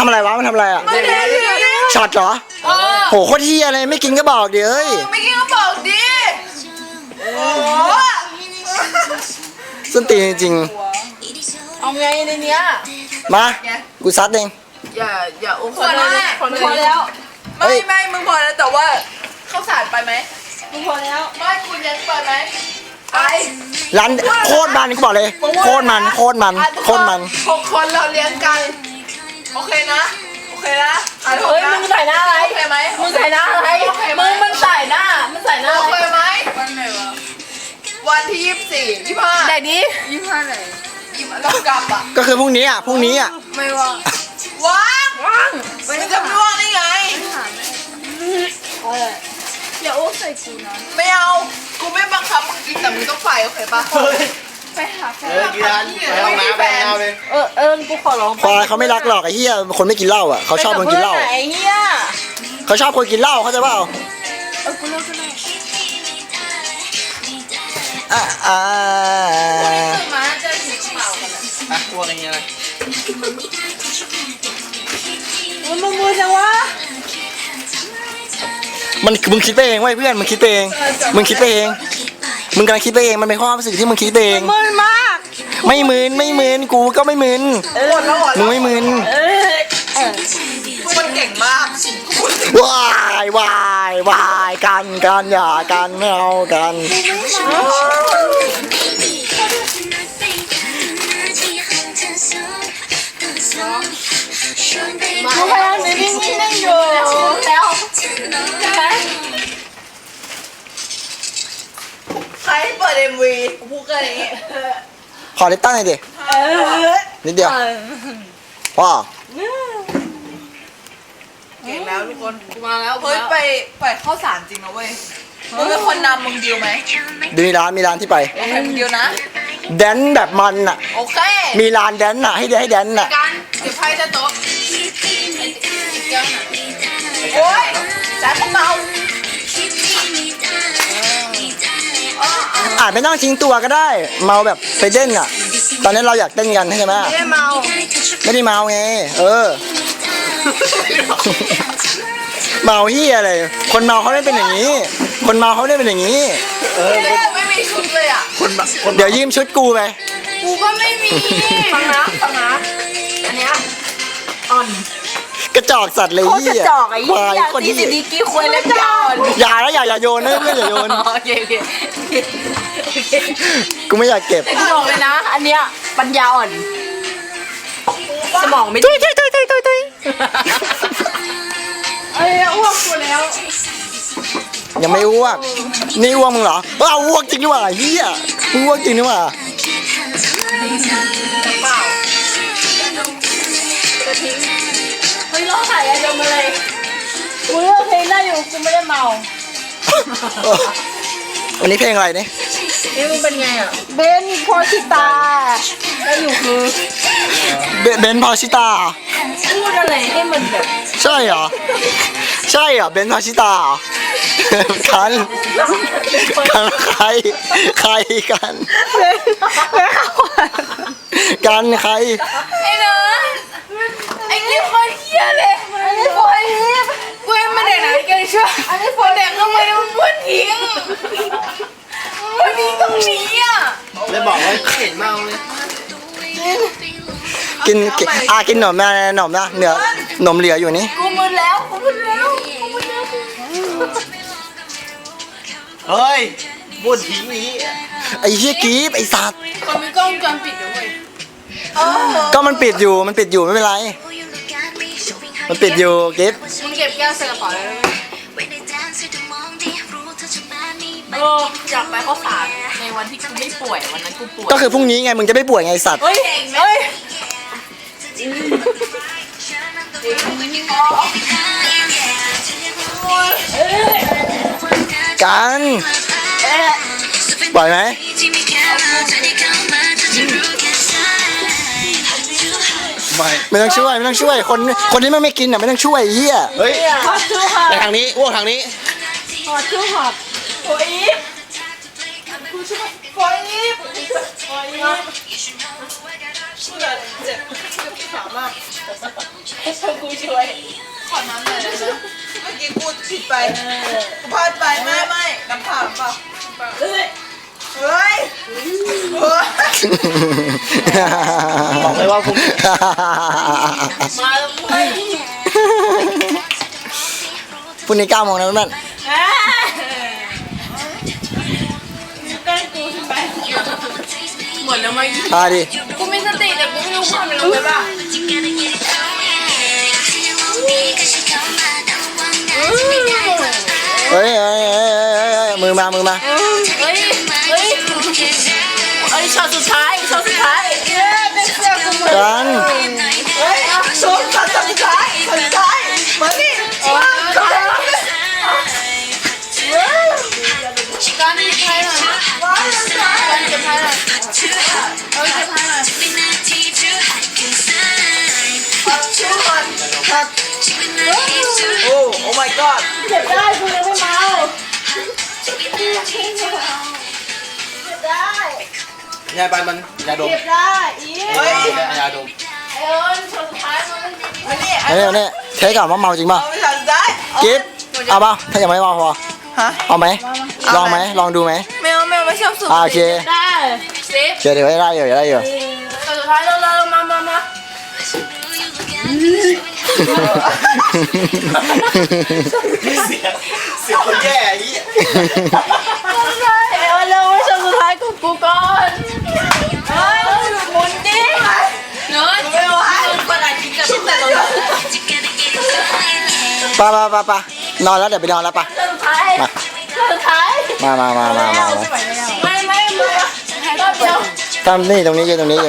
ำอะไรวะมันทำอะไรอ่ะช็อตเหรอโหโคตรเฮียเลยไม่กินก็บอกดิเอ้ยไม่กินก็บอกดิโอ้ส้นตีนจริงเอาไงในเนี้ยมากูซัดเองอย่าอุ้มพอแล้วไม่มึงพอแล้วแต่ว่าข้าวสารไปไหมมึงพอแล้วไม่คุณยังไปไหมไปร้านโคตรมันกูบอกเลยโคตรมัน6 คนเราเลี้ยงกันโอเคนะเฮ้ยมึงใส่หน้าอะไรโอเคไหมมึงใส่หน้าอะไรมึงมันใส่หน้าโอเคไหมวันไหนวะวันที่24 25ไหนดิ25ไหน25เรากลับอ่ะก็คือพรุ่งนี้อ่ะไม่ว่างมันจะไม่ว่างได้ไงอย่าโอ้ใส่กูนะไม่เอากูไม่บังคับมึงกินแต่มึงต้องไปโอเคปะไปหาแฟนกินร้านไปห้องน้ำไปเอาเลยกูขอร้องควายเขาไม่รักหรอกไอ้เหี้ยคนไม่กินเหล้าอ่ะเขาชอบคนกินเหล้าไอ้เหี้ยเขาชอบคนกินเหล้าเขาใจเปล่ากูเลิกกันมาจะถึงเปล่ากันอ่ะพวกอย่างเงี้ยเลยมึงจังวะมึงคิดไปเองเว้ยเพื่อนมึงคิดไปเองมึงกำลังคิดไปเองมันเป็นความรู้สึกที่มึงคิดไปเองมึนมากไม่มึนกูก็ไม่มึนมึงไม่มึนมันเก่งมากวายกันอย่ากันไม่เอากันมาพลังในวิ่งได้อยู่แล้วใครเปิด MV พูดกันอย่างงี้ขอลิปตั้งหน่อยดินิดเดียวว้าเก่งแล้วทุกคนมาแล้วเฮ้ยไปข้าวสารจริงนะเว้ยมึงเป็นคนนำมึงดิวไหมดูมีร้านที่ไปโอเคมึงดิวนะแดนแบบมันอ่ะโอเคมีร้านแดนอ่ะให้แดนอ่ะการเก็บไพ่จะโต๊ะโอ้ยแต่พวกเราอาจไม่ต้องทิ้งตัวก็ได้เมาแบบไปเต้นอ่ะตอนนี้เราอยากเต้นกันใช่ไหมไม่ได้เมาไงเมาเฮียอะไรคนเมาเขาได้เป็นอย่างนี้ไม่มีชุดเลยอ่ะเดี๋ยวยืมชุดกูไปกูก็ไม่มีฟังนะอันเนี้ยอ่อนกระจอกสัตว์เลยเหี้ยควายคนที่ดีกี้ควายเล็บยาวอย่าโยนนะเพื่อนอย่าโยนโอเคกูไม่อยากเก็บกูบอกเลยนะอันเนี้ยปัญญาอ่อนสมองไม่ตุ้ยอ้วกกูแล้วยังไม่อ้วกนี่อ้วกมึงเหรออ้วกจริงดีกว่าเฮียมึงอ้วกจริงดีกว่าเปล่าเฮ้ยร้องไห้อะไรมาเลยกูเลือกเพลงได้อยู่กูไม่ได้เมาวันนี้เพลงอะไรเนี่ยมึงเป็นไงอ่ะเบนพอชิตาได้อยู่คือเบนพอชิตาพูดอะไรให้มันแบบใช่เหรอเบนพอชิตากันใครกันกันใครไอ้เนอะไอ้นี่คนเหี้ยเลยไอ้นี่คนกูยังไม่ได้ไหนกันช่วยไอ้นี่คนแดกทำไมมันม้วนทิ้งมันทิ้งตรงนี้อ่ะเลยบอกว่าเห็นเมาเลยกินหนมนะเนื้อหนมเหลืออยู่นี่กูมึนแล้วเฮ้ยบุญทิ้งนี้ไอ้เหี้ยกีบไอ้สัตว์มันมีกล้องจอปิดด้วยก็มันปิดอยู่ไม่เป็นไรมันปิดอยู่กีบมึงเก็บแก้วใส่กระเป๋าเลยอยากไปข้าวสารในวันที่กูไม่ป่วยวันนั้นกูป่วยก็คือพรุ่งนี้ไงมึงจะไม่ป่วยไงสัตว์กันปล่อยไหมไม่ต้องช่วยคนที่ไม่กินอ่ะไม่ต้องช่วยเฮียเฮ้ยไปทางนี้อ้วกทางนี้หอดชื่อหอดโอ้ยเจ็บขามากกูช่วยขอน้ำหน่อยนะเมื่อกี้กูผิดไปกูพลาดไปไม่น้ำผ่านเปล่าเฮ้ยบอกเลยว่าพรุ่งนี้มาแล้วเว้ยพรุ่งนี้9 โมงนะเพื่อนหมดแล้วไหมๆดิกูมีสติแต่กูไม่รู้ความเป็นลงไปบ้างเฮ้ยมือมาเฮ้ยช็อตสุดท้ายเป็นเสื้อกูหมดกันเฮ้ยช็อตสุดท้ายมาดิการเก็บไพ่หน่อยการเก็บไพ่หน่อยเก็บไพ่หน่อยโอ้ my god เก็บได้กูยังไม่เมาเก็บได้ยาบันมันยาดมเก็บได้อีเฮ้ยยาดมไอ้เอิญช็อตสุดท้ายมันนี่อันนี้เทสก่อนว่าเมาจริงป่ะเอาไปทำได้กิ๊บเอาป่ะถ้ายังไม่เมาพอฮะเอาไหมลองไหมลองดูไหมไม่เอาไม่ชอบสูบโอเคได้สิบเดี๋ยวได้อยู่ช็อตสุดท้ายเรามาเสียคนแย่ไอ้เหี้ยเอ้ยเราไม่ช็อตสุดท้ายของกูก่อนเฮ้ยหมุนดิเนิร์ดไม่เอาให้ประกาศกินกับแต่ตอนนี้ไปนอนแล้วเดี๋ยวไปนอนแล้วปะสุดท้ายมาไม่รอบเดียวทำนี่ตรงนี้ยืนตรงนี้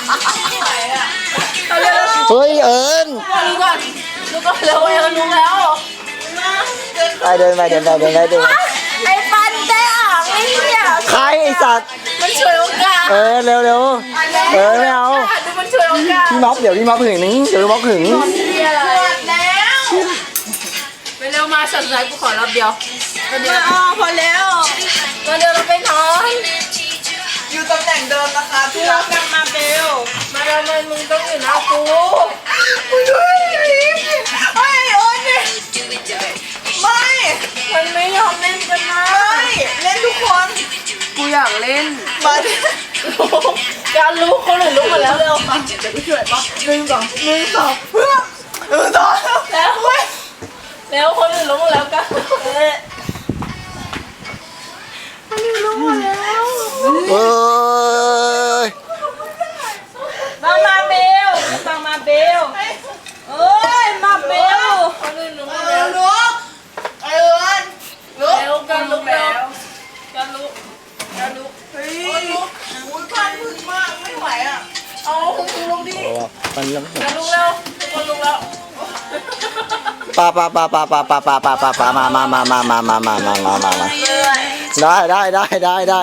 เอาเร็วเฮ้ยเอิญรู้ก่อนเร็วรู้แล้วไปเดินไอ้ฟันได้อ่างไอ้เนี่ยใครไอสัตว์มันช่วยโอกาสเร็วไม่เอาดูมันช่วยโอกาสพี่ม็อบเดี๋ยวพี่ม็อบหึงนึงเดี๋ยวพี่ม็อบหึงเอะไรแล้วไปเร็วมาช็อตสุดท้ายกูขอรอบเดียวพอแล้วมาเดี๋ยวเราไปนอนอยู่ตำแหน่งเดิมนะคะพี่รักกันมาเบลมาทำไมมึงต้องอยู่หน้ากูไอ้โอ๊ยไม่มันไม่ยอมเล่นกันนะไม่เล่นทุกคนกูอยากเล่นมาการลุกคนอื่นลุกมาแล้วเร็วมาเดี๋ยวกูช่วยป่ะ1 2เพื่อแล้วเว้ยแล้วคนอื่นลุกมาแล้วกันคนอื่นลุกมาแล้วเอ้ยมาเบลมาเบลเอ้ยมาเบลคนอื่นลุกมาแล้วลุกไอ้เอิญลุกแล้วกันลุกแล้วกันลุกเฮ้ยลุกอุ้ยพันพึ่งมากไม่ไหวอ่ะเอาคุณลุกดิมันกันลุกแล้วคนลุกแล้วปามาได้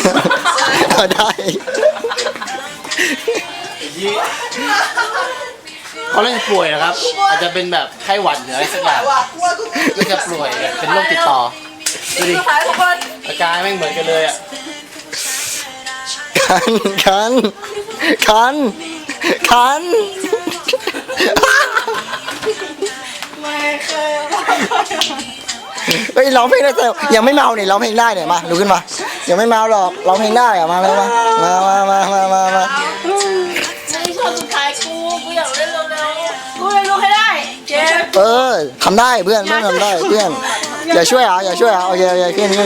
เขาเล่นป่วยนะครับ อาจจะเป็นแบบไข้หวัดหรืออะไรสักอย่างก็จะป่วยแบบเป็นโรคติดต่อดูดิสุดท้ายทุกคนอาการไม่งเหมือนกันเลยอ่ะคันไม่เคยเฮ้ยร้องเพลงได้แต่ยังไม่เมาเนี่ยร้องเพลงได้เนี่ยมาลุกขึ้นมายังไม่เมาหรอกร้องเพลงได้อะมาเลยมานี่ช็อตสุดท้ายกูอยากเล่นเร็วๆกูเลยลุกให้ได้เจ็บทำได้เพื่อนทำได้เพื่อนอย่าช่วยโอเคขึ้น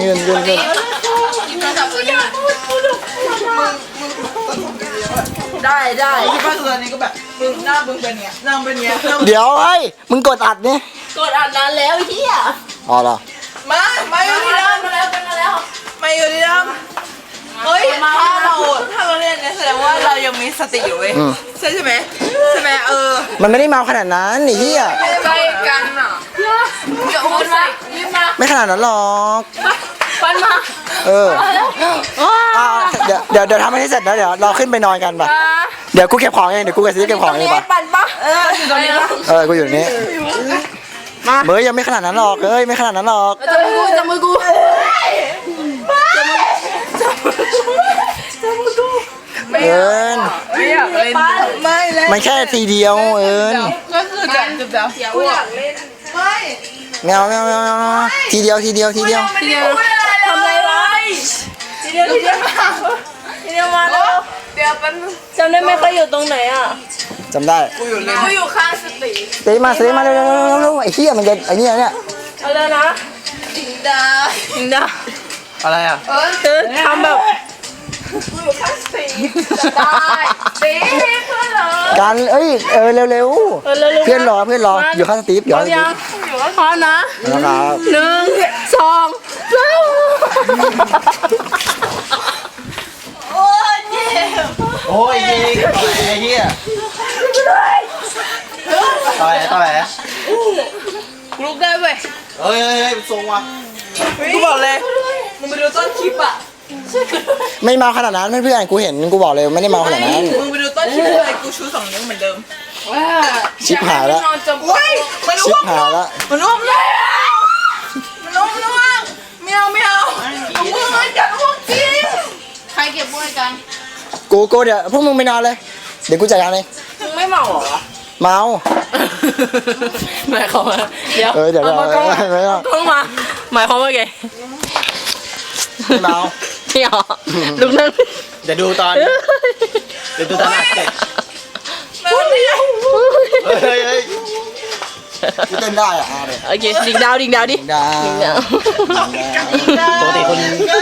ได้ที่บ้านตอนนี้ก็แบบมึงหน้ามึงเป็นเนี้ยนั่งเป็นเนี้ยเดี๋ยวเฮ้ยมึงกดอัดนี่กดอ่านนานแล้วเฮียอ๋อเหรอมาอยู่ที่เดิมมาแล้วมาอยู่ที่เดิมเฮ้ยถ้าเราเล่นเนี่ยแสดงว่าเรายังมีสติอยู่เว้ยใช่ไหมมันไม่ได้เมาขนาดนั้นไอ้เหี้ยใกล้กันอ่ะจะโอนมายิ้มมาไม่ขนาดนั้นหรอกฟันมาเดี๋ยวทำให้เสร็จนะเดี๋ยวเราขึ้นไปนอนกันป่ะเดี๋ยวกูเก็บของเองเดี๋ยวกูกับซีเก็บของเองป่ะปั่นปะอยู่ตรงนี้กูอยู่นี่เบย์ยังไม่ขนาดนั้นหรอกไม่ขนาดนั้นหรอกจับมือกูเอิญไม่อยากเล่นไม่เล่นมันแค่ทีเดียวเอิญก็คือจะเดี๋ยวกูอยากเล่นไม่แมวทีเดียวทีเดียวทำอะไรไว้ทีเดียวมาแล้วเดี๋ยวแป๊บนึงจำได้ไหมเขาอยู่ตรงไหนอ่ะจำได้กูอยู่ข้างสติซื้อมาเร็วไอ้เหี้ยมันจะไอ้เนี่ยเอาเลยนะจิงดาอะไรอ่ะคือทำแบบกูอยู่ข้างสติจะได้ตีเพื่อนเหรอการเอ้ยเร็วเพื่อนรออยู่ข้างสตีฟอยู่ข้างสตีฟอยู่ก็พร้อมนะนะครับ 1 2 3โอ้ยเจ็บโอ้ยยิงต่อยไอ้เหี้ยต่อยลุกได้เว้ยเฮ้ยทรงว่ะกูบอกเลยมึงไปดูต้นคลิปอ่ะไม่เมาขนาดนั้นเพื่อนกูเห็นกูบอกเลยไม่ได้เมาขนาดนั้นมึงไปดูต้นคลิปเลยกูชู2 นิ้วเหมือนเดิมชิบหายแล้วเว้ยมันชิอ้บวกหายแล้วมันอ้วกแล้วมันอ้วกไม่เอามึงมันจะอ้วกจริงใครเก็บบ้วยกันกูเดี๋ยวพวกมึงไปนอนเลยเดี๋ยวกูจัดการเองมึงไม่เมาเหรอเมาหมายความว่าเดี๋ยวเดี๋ยวเอามากล้องไม่เอากล้องมาหมายความว่าไงไม่เมานี่หรอลุกนั่งเดี๋ยวดูตอนอัดเสร็จเฮ้ยกูเต้นได้อ่ะเดี๋ยวโอเคดิ่งดาวดิดาวปกติคน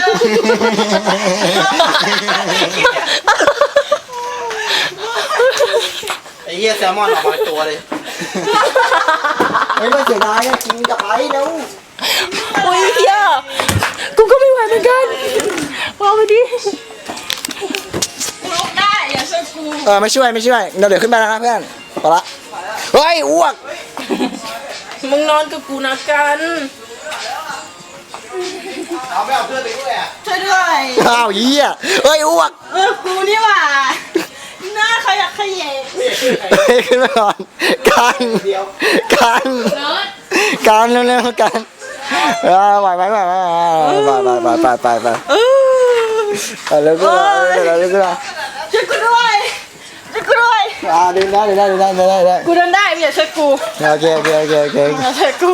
ไอ้เหี้ยแซลมอนออกมาตัวเลยไม่เสียดายกินกับไปแล้วอุ้ยเฮียกูก็ไม่ไหวเหมือนกันวางไปดิลุกได้อย่าช่วยกูไม่ช่วยเดี๋ยวขึ้นไปแล้วนะเพื่อนพอละเฮ้ยอ้วกมึงนอนกับกูนะกันเอาไม่เอาเพื่อนไปด้วยอ่ะช่วยด้วยอ้าวเหี้ยเฮ้ยอ้วกกูนี่หว่าหน้าขยักขยะเฮ้ยขึ้นมาก่อนกันเร็วๆกันไหวไหมไปแล้วก็ช่วยกูด้วยดึงได้กูเดินได้ไม่อย่าช่วยกูโอเคอย่าช่วยกู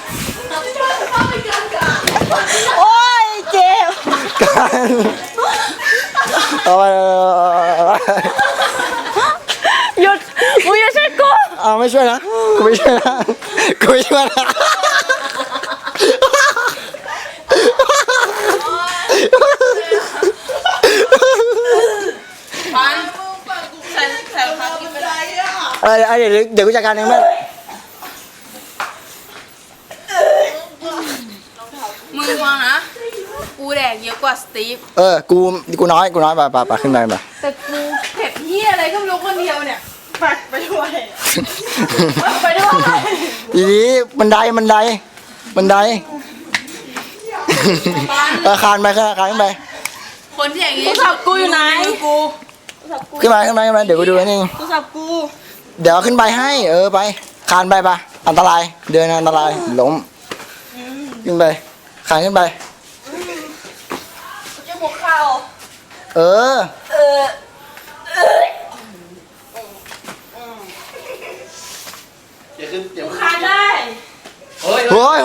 โอ้ยเจ็บกันเอาไปหยุดมึงอย่าช่วยกูเอาไม่ช่วยนะกูไม่ช่วยนะปันใส่รองเท้ากินไม่ได้เดี๋ยวกูจัดการเองแม่มึงฟังนะกูแดกเยอะกว่าสตีฟกูน้อยไปขึ้นไปแต่กูเผ็ดเหี้ยอะไรก็ไม่รู้คนเดียวเนี่ยไปด้วยทีนี้บันไดคานไปขึ้นไปคนที่อย่างนี้โทรศัพท์กูอยู่ไหนกูขึ้นมาเดี๋ยวกูดูนี่โทรศัพท์กูเดี๋ยวขึ้นไปให้ไปคานไปปะอันตรายเดินอันตรายล้มขึ้นไปคานขึ้นไปจะหัวเข่าอย่าคานได้เฮ้ยโอ้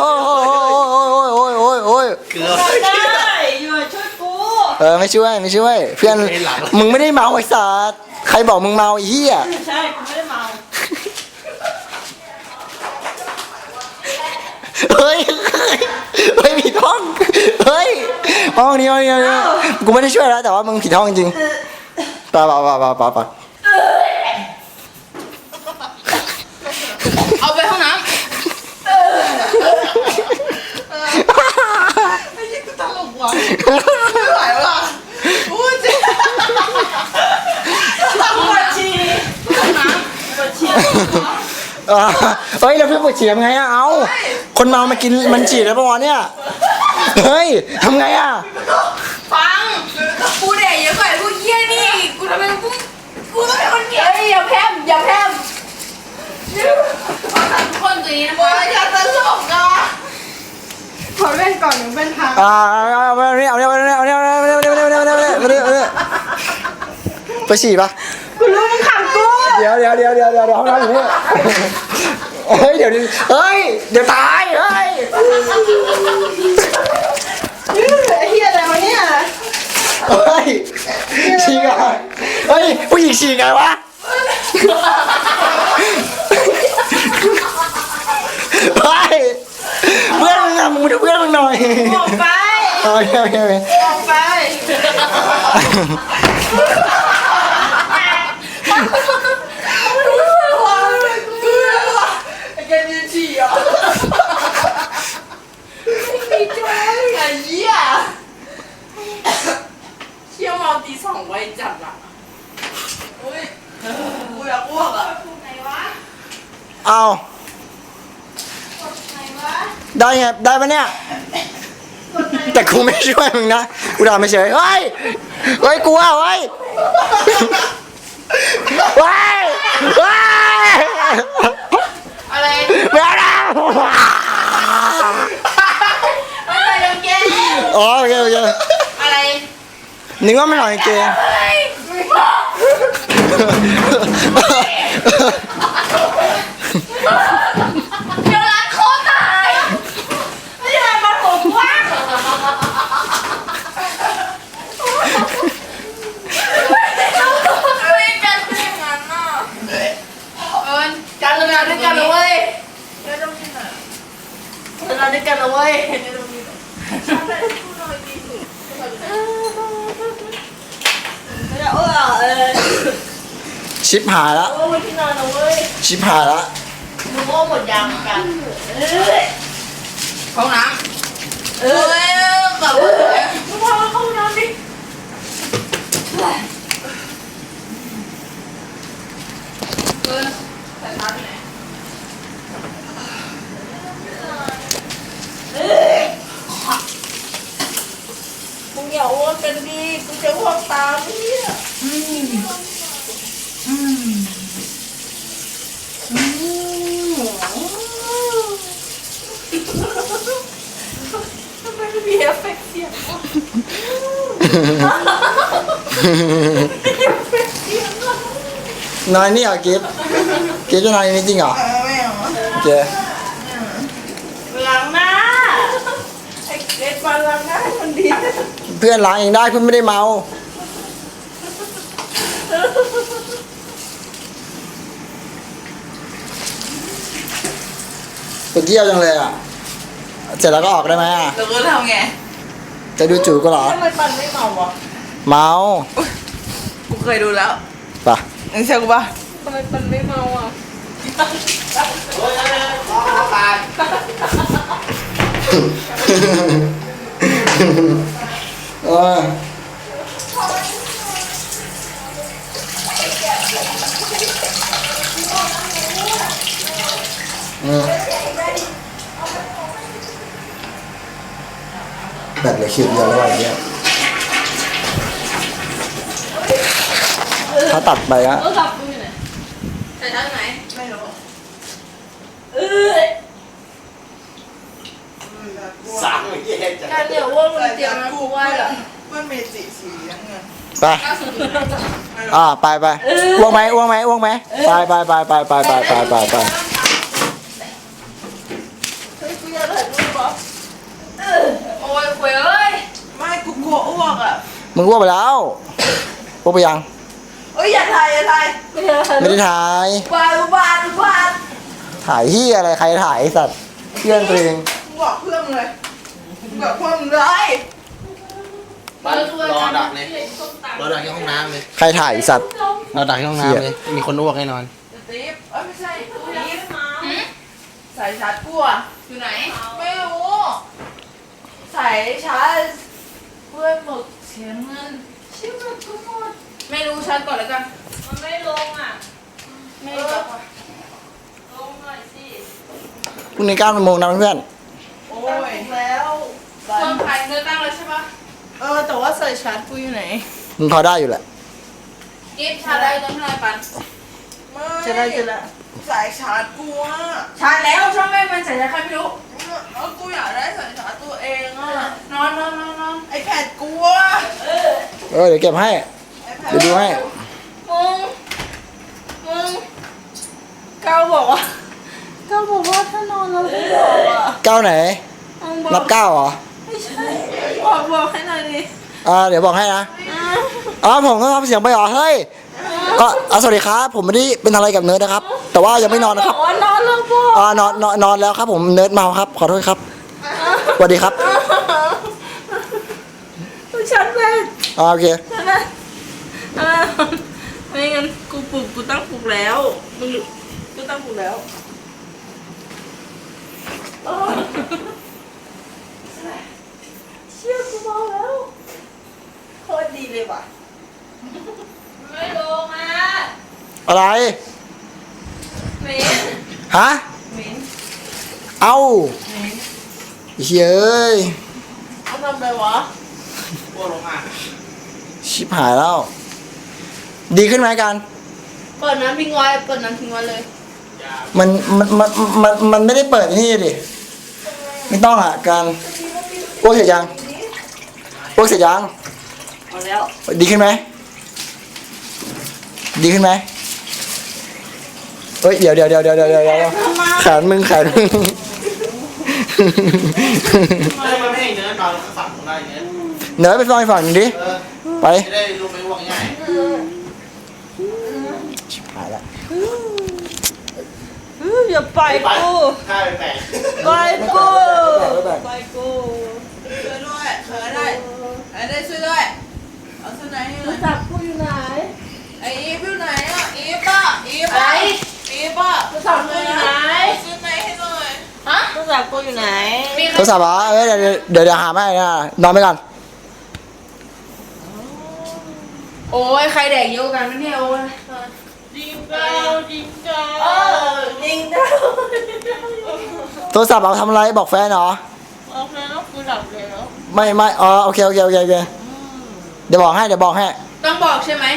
ยเกือบได้อยู่ช่วยกูไม่ช่วยเพื่อนมึงไม่ได้เมาไอ้สัสใครบอกมึงเมาไอ้เหี้ยใช่กูไม่ได้เมาเฮ้ยผิดห้องห้องนี้กูไม่ได้ช่วยแล้วแต่ว่ามึงผิดห้องจริงไปเอาไปห้องน้ำไอ้ยี่กูตลกว่ะไม่ไหวว่ะอู้เจ๊ปวดฉี่ห้องน้ำปวดฉี่เฮ้ยแล้วเพื่อนปวดฉี่ทำไงอะเอาคนเมามากินมันฉี่แล้วปะวะเนี่ยเฮ้ยทำไงอะฟังกูเด็กเยอะกว่าพวกเหี้ยนี่กูทำไมกูต้องเป็นคนเกลียดอย่าแพร่มเอาทำทุกคนตัวนี้นะมึงอย่าตลกอ่ะขอเล่นก่อนหนึ่งเป็นทางเอาไปฉี่ปะกูห้องน้ำอยู่นี่เฮ้ยเดี๋ยวตายเฮ้ยไอ้เหี้ยอะไรวะเนี่ยเฮ้ยฉี่ไงเฮ้ยผู้หญิงฉี่ไงวะเฮ้ยเพื่อนมึงอะมึงมาดูเพื่อนมึงหน่อยออกไปโอเคออกไปไอ้แกยืนฉี่อ่ะไม่มีจ้อยไอ้เหี้ยเชี่ยวมาตีสองไว้จัดอ่ะอุ้ยกูอยากอ้วกอ่ะไหนวะเอาไหนวะได้ไงได้ปะเนี่ยแต่กูไม่ช่วยมึงนะกูด่าไม่เฉยเฮ้ยกลัวเฮ้ยอะไรไม่เอาแล้วอะไรเดี๋ยวแกอ๋อโอเคอะไรนึกว่าไม่หน่อยเกงเดี๋ยวร้านโคตรตายไม่ใช่มาผมว่างอะไรกันเป็นอย่างนั้นน่ะการทำงานด้วยกันนะเว้ยไม่ต้องกินอ่ะทำงานด้วยกันนะเว้ยไม่ต้องกินไม่ได้ชิปหายแล้วโอ้ยที่นอนนะเว้ยชิปหายแล้วหนูโม่หมดยางเหมือนกันห้องน้ำกลับเลยมึงพามาเข้าห้องน้ำดิใส่ผ้าที่ไหนมึงอย่าอ้วนกันดิกูจะอ้วกตามเนี่ยทำไมไม่มีเอฟเฟกต์เสียงวะนอนนี่เหรอกิฟจะนอนนี่จริงเหรอไม่เอาโอเคล้างหน้าไอ้เกดมาล้างหน้าให้มันดีเพื่อนล้างเองได้เพื่อนไม่ได้เมาปวดเยี่ยวจังเลยอ่ะเสร็จแล้วก็ออกได้ไหมอ่ะเราก็ทำไงจะดูจู่ก็เหรอทำไมปันไม่เมาวะเมากูเคยดูแล้วปะมึงเชื่อกูปะทำไมปันไม่เมาอ่ะเออแบบเหลือคิวเดียวแล้ววันนี้ถ้าตัดไปอะโทรศัพท์กูอยู่ไหนใส่ทั้งไหนไม่รู้สั่งไม่แย่จังการเดี๋ยวว่ามึงเตรียมนะกูไหว้เหรอมันมีสีน้ำเงินไปไปอ้วงไหมไปโอ้ยคุยเอ้ยไม่กูกลัวอ้วกอ่ะมึงอ้วกไปแล้วอ้วกไปยังเอ้ยอย่าถ่ายไม่ได้ถ่ายบาดถ่ายที่อะไรใครถ่ายไอ้สัตว์เพื่อนตัวเองมึงบอกเพื่อนมึงเลยมึงบอกเพื่อนมึงเลยบ้านรอดักเลยรอดักที่ห้องน้ำเลยใครถ่ายไอ้สัตว์รอดักที่ห้องน้ำเลยมีคนอ้วกแน่นอนตีฟเอ้ยไม่ใช่ตีฟใส่ชาร์จกูอ่ะอยู่ไหนไม่รู้ใส่ชาร์จเพื่อนหมึกเสียเงินชิบหายกูหมดไม่รู้ชัดก่อนแล้วกันมันไม่ลงอ่ะไม่รู้จักว่ะลงหน่อยสิพรุ่งนี้9 โมงนะเพื่อนโอ้ยแล้วเครื่องถ่ายเนื้อตั้งแล้วใช่ปะแต่ว่าใส่ชาร์จกูอยู่ไหนมึงพอได้อยู่แหละกิฟต์ชาได้ต้นเท่าไหร่ปันจะได้สายชาร์จกูอ่ะชาแล้วช่างแม่งมันใส่ใครไม่รู้แล้วกูอยากได้สายชาร์จตัวเองอ่ะนอนไอแพดกูอ่ะเดี๋ยวเก็บให้ เดี๋ยวดูให้มึงก้าวบอกว่าถ้านอนแล้วไม่บอกอ่ะก้าวไหน นับก้าวเหรอไม่ใช่บอกให้หน่อยดิเดี๋ยวบอกให้นะผมก็ทำเสียงไปเหรอเฮ้ยสวัสดีครับผมไม่ได้เป็นอะไรกับเนิร์ดนะครับ แต่ว่ายังไม่นอนนะครับว่านอนแล้วบอกนอนแล้วครับผมเนิร์ดเมาครับขอโทษครับสวัสดีครับฉันเป็นโอเคฉันเป็นไม่งั้นกูตั้งปลุกแล้วกูตั้งปลุกแล้วเชี่ยกูเมาแล้วโคตรดีเลยว่ะไม่ลงอ่ะอะไรเหม็นฮะเหม็นเอ้าเฮ้ยเอาทำไปวะพวกลงอ่ะชิบหายแล้ว ดีขึ้นไหมกันเปิดน้ำทิ้งไว้เปิดน้ำทิ้งไว้เลยมันไม่ได้เปิดนี่ดิไม่ต้องอ่ะการอ้วกเสร็จยังอ้วกเสร็จยังเอาแล้วดีขึ้นไหมดีขึ้นไหมเฮ้ยเดี๋ยวแขนมึงมันไม่ให้เนื้อนอนฝั่งของได้เนื้อเนื้อไปฟังอีกฝั่งหนึ่งดิไปจะได้ลงไปวางง่ายชิบหายละอย่าปล่อยกูถ้าไปแปลกปล่อยกูแบ่งปล่อยกูช่วยด้วยเขยได้ช่วยด้วยเอาเสื้อไหนให้หน่อยจับกูอยู่ไหนไอ้อีฟอยู่ไหนอ่ะอีฟป่ะอีฟป่ะอีฟป่ะจับกูอยู่ไหนเสื้อไหนให้หน่อยฮะจับกูอยู่ไหนโทรศัพท์เหรอเดี๋ยวหาไม่นะนอนไปก่อนโอ้ยใครแดกเยอะกันไม่เนี่ยโอ้ยจิงเก้าจิงเก้ายิงดาวโทรศัพท์เอาทำอะไรบอกแฟนเหรอโอเคแล้วกูหลับแล้วไม่โอเคเดี๋ยวบอกให้ต้องบอกใช่ไหม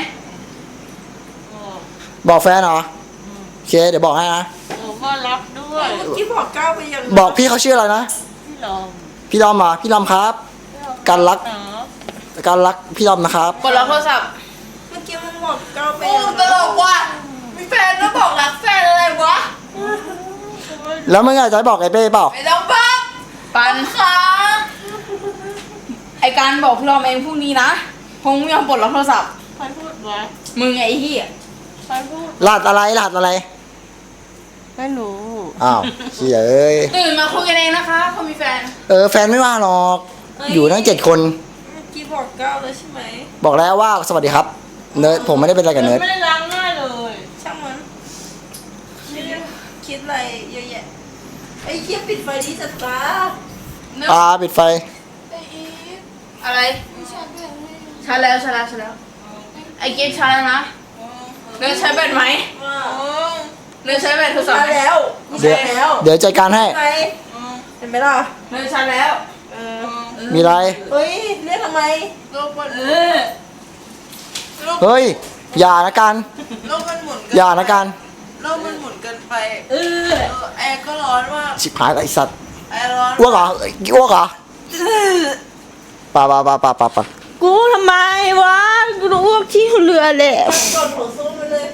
บอกแฟนเหรอโอเคเดี๋ยวบอกให้นะผมก็รับด้วยเมื่อกี้บอกก้าวไปยังบอกพี่เขาชื่ออะไรนะพี่ลองพี่ลอมเหรอพี่ลอมครับการรักพี่ลอมนะครับกดรับโทรศัพท์เมื่อกี้มึงบอกก้าวไปโอ้ตลกว่ะมีแฟนแล้วบอกรักแฟนอะไรวะแล้วมึงอาจจะบอกไอ้เป้เปล่าไม่ต้องบอกปันค่ะไอการบอกพี่รอมเองพรุ่งนี้นะคงไม่ยอมปลดรับโทรศัพท์ใครพูดวะมึงไอ้เหี้ยใครพูดรหัสอะไรไม่รู้อ้าวเชี่ยเอ้ยตื่นมาคุยกันเองนะคะเขามีแฟนแฟนไม่ว่าหรอกอยู่ทั้ง7 คนเมื่อกี้บอกก้าวแล้วใช่ไหมบอกแล้วว่าสวัสดีครับเนิร์ดผมไม่ได้เป็นอะไรกับเนิร์ดไม่ได้ล้างหน้าเลยช่างมันคิดอะไรเยอะแยะไอ้เหี้ยปิดไฟดีจัดตาปิดไฟอะไรชาร์จแล้วไอ้เกมชาร์จแล้วนะเนื้อใช้แบตไหมเนื้อใช้แบตโทรศัพท์แล้วเดี๋ยวจัดการให้เห็นไหมล่ะเนื้อชาร์จแล้วมีอะไรเฮ้ยเรียกทำไมโลกมันเฮ้ยอย่านะกันโลกมันหมุนอย่านะกันโลกมันหมุนเกินไปแอร์ก็ร้อนมากชิบหายแล้วไอ้สัตว์แอร์ร้อนอ้วกเหรอป่ากูทำไมวะกูรู้ว่าที่เรือแหละกดหัวสู้ไปเลย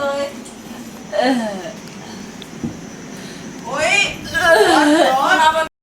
โอ้ยร้อน